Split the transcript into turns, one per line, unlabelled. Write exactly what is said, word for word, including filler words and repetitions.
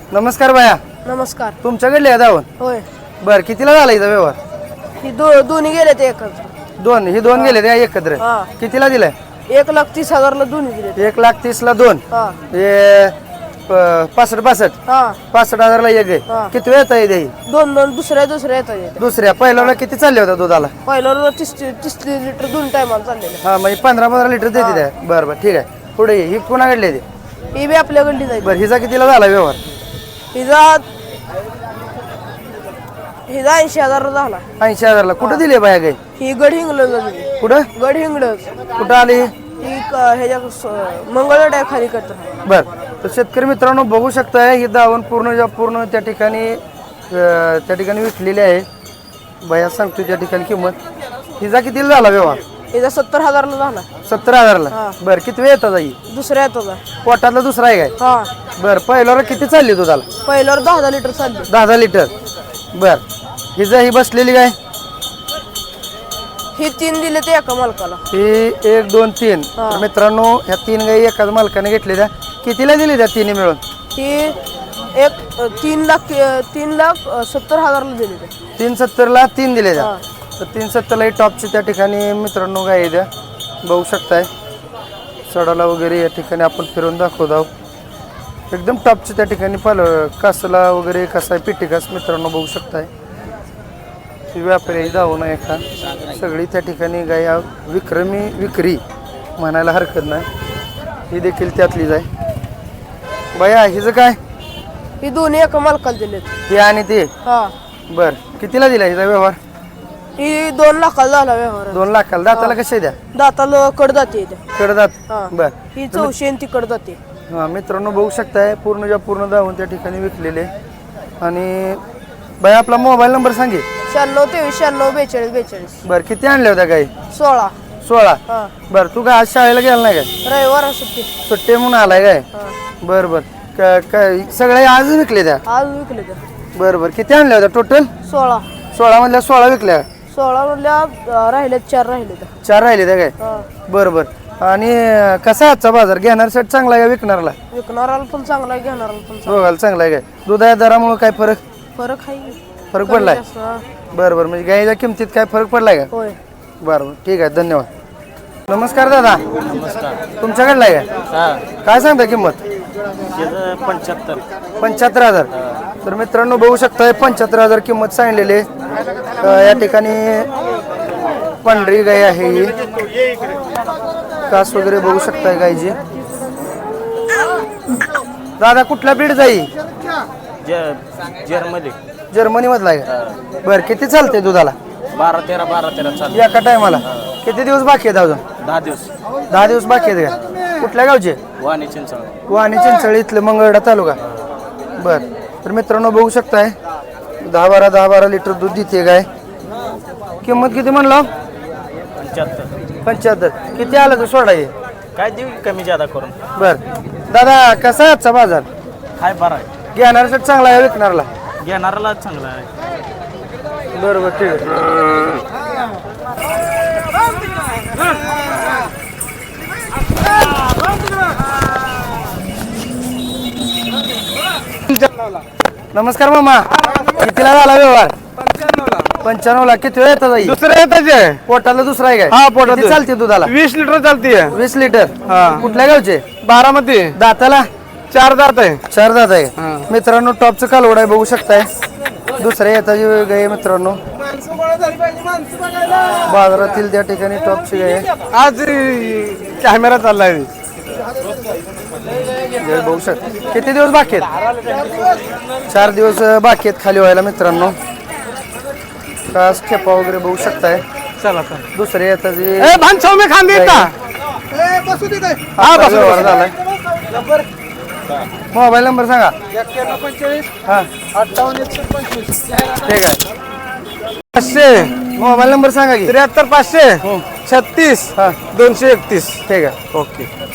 नमस्कार बाया.
नमस्कार.
तुमच्याकडले दावण
होय.
बर कितीला झाला इथं व्यवहार?
ही दो दोन्ही गेले ते एकत्र.
दोन ही दोन गेले त्या एकत्र.
हा.
कितीला दिलाय?
एक लाख तीस हजारला दोन्ही दिले.
एक लाख तीस ला दोन.
हा
हे पासष्ट पासष्ट
हा
पासष्ट हजारला एक
हा.
आहे. किती वेळ येत आहे?
दोन दोन दुसऱ्या दुसऱ्या येतात.
दुसऱ्या पहिल्याला किती चालले होता दुधाला?
पहिल्यावर तीस तीस लिटर दोन टायमाला चाललेले.
हा म्हणजे पंधरा पंधरा लिटर देते त्या. बरं बरं ठीक आहे. पुढे ये. ही कोणाकडले ते?
ही बी आपल्याकडली जाईल.
बरं हिचा कितीला झाला व्यवहार?
हिजा हिजा ऐंशी हजार झाला.
ऐंशी हजारला. कुठं दिले बाया गाई?
ही गड हिंगलज दिली.
कुठं
गड हिंगलज.
कुठं आली?
ही क- ह्याच्या मंगळवाड्या खाली करतो.
बर तर शेतकरी मित्रांनो बघू शकताय ही दावण पूर्ण पूर्ण त्या ठिकाणी अं, त्या ठिकाणी विकलेली आहे. बाया सांगतो त्या ठिकाणी किंमत. हिचा कितीला झाला व्यवहार?
हिजा सत्तर हजारला झाला.
सत्तर हजारला.
हा.
बर किती वेळ येतात आई?
दुसऱ्या येतो
पोटातला दुसरा आहे काय?
हा.
बर पहिल्यावर किती चालली दुधाला?
पहिल्यावर दहा हजार लिटर चालले.
दहा दहा लिटर. बर हिचा ही बसलेली काय?
ही तीन दिले ते एका मालकाला.
ही एक दोन तीन.
हा.
तर मित्रांनो ह्या तीन गाई एकाच मालकाने घेतलेल्या. कितीला दिली त्या तिन्ही मिळून?
ही एक अ, तीन लाख अ, तीन लाख अ, सत्तर हजारला दिले ते.
तीन सत्तरला तीन दिले त्या.
हा.
तर तीन सत्तरला ही टॉपची त्या ठिकाणी मित्रांनो गाय आहे द्या. बघू शकताय सडाला वगैरे या ठिकाणी आपण फिरून दाखवत आहोत. एकदम टॉपची त्या ठिकाणी पाल कासला वगैरे कसा आहे पिठी कास मित्रांनो बघू शकताय. ही व्यापारी जाऊन आहे का सगळी त्या ठिकाणी गाय हा विक्रमी विक्री म्हणायला हरकत नाही. ही देखील त्यातलीच आहे. बाया हिचं काय?
ही दोन्ही एका मालकाला दिलेत.
हे आणि ते.
हा.
बर कितीला दिला हिचा व्यवहार?
ही दोन लाखाला झाला व्यवहार.
दोन लाखाला. दाताला कसे द्या?
दाताला कड जाते इथे.
कडदात.
हा.
बर
ही चौशे आणि ती कड जाते.
हा मित्रांनो बघू शकताय पूर्ण ज्या पूर्ण दावून त्या ठिकाणी विकलेले. आणि बाई आपला मोबाईल नंबर सांगे.
शहाण्णव तेवीस शहाण्णव बेचाळीस बेचाळीस.
बर किती आणल्या होत्या गाई?
सोळा.
सोळा.
हा.
बर तू काय आज शाळेला गेला नाही काय?
रविवार सुट्टी.
सुट्टी म्हणून आलाय काय?
हा.
बर बर क- काय सगळे आज विकले त्या?
आज विकले ते.
बर बर किती आणल्या होत्या टोटल?
सोळा.
सोळा मधल्या सोळा विकल्या.
सोळा मधल्या अ, राहिल्यात चार राहिले तर.
चार राहिले त्या काय?
हा.
बर बर आणि अं, कसा आहे आजचा बाजार? घेणाऱ्यासाठी चांगला आहे का विकणारला?
विकणाराला पण चांगला आहे घेणाराला पण चांगला.
दोघाला चांगला आहे काय? दुधाच्या दरामुळे काय फरक
फरक आहे.
फरक
कमी
पडलाय?
जास्त, हा.
बरं बरं म्हणजे गाईच्या किमतीत काय फरक पडलाय का?
होय.
बरं बरं ठीक आहे धन्यवाद. नमस्कार दादा.
नमस्कार.
तुमच्याकडला आहे का?
हा
काय सांगता किंमत?
पंच्याहत्तर.
पंच्याहत्तर हजार. तर मित्रांनो बघू शकताय पंच्याहत्तर हजार किंमत सांगलेली आहे. अं, या ठिकाणी पांढरी गाय आहे ही. कास वगैरे बघू शकताय गायची. दादा कुठला ब्रीड जाई?
जर्मनी
जर्मनी मधला आहे का? बरं किती चालते दुधाला?
बारा तेरा बारा तेरा चालू.
एका टायमाला किती दिवस बाकी आहेत अजून?
दहा दिवस.
दहा दिवस बाकी आहेत का? कुठल्या गावचे?
वाणी चिंचवड.
वाणी चिंचळी इथलं मंगळवेढा तालुका. बर तर मित्रांनो बघू शकताय दहा बारा दहा बारा लिटर दूध देते गाय. किंमत किती म्हणलं?
पंच्याहत्तर.
पंच्याहत्तर. किती आलं तर सोडा ये.
काय देऊ कमी जादा करून?
बर दादा कसा आहे आजचा बाजार?
हाय बरा आहे.
घेणाऱ्यासाठी चांगला आहे विकणारला?
घेणाराला चांगला आहे.
बरोबर ठीक आहे. नमस्कार मामा. कितीला झाला व्यवहार? पंच्याण्णव ला. किती वेळ येतात?
दुसरं येताचे.
पोटाला दुसरा आहे काय?
हा, पोटात.
किती चालते दुधाला?
वीस लिटर चालतीये.
वीस लिटर.
हा.
कुठल्या गावचे?
बारामती.
दाताला
चार दात आहे.
चार दात आहे.
हा.
मित्रांनो टॉपचं कालवड आहे बघू शकताय. दुसऱ्या येताची गाय मित्रांनो बाजारातील त्या ठिकाणी टॉपची गाय आहे.
आज कॅमेरा चाललाय.
गाय बघू शकता. किती दिवस बाकी आहेत? चार दिवस बाकी आहेत खाली व्हायला मित्रांनो. कास खेपा वगैरे बघू शकताय.
चला चला.
दुसऱ्या येताची
ए भान सौम्य खांदे का?
हा व्यवहार झालाय. मोबाईल नंबर सांगा. हा ठीक आहे.
पाचशे
मोबाईल नंबर सांगा की.
त्र्याहत्तर पाचशे छत्तीस
हा
दोनशे एकतीस.
ठीक आहे.
ओके.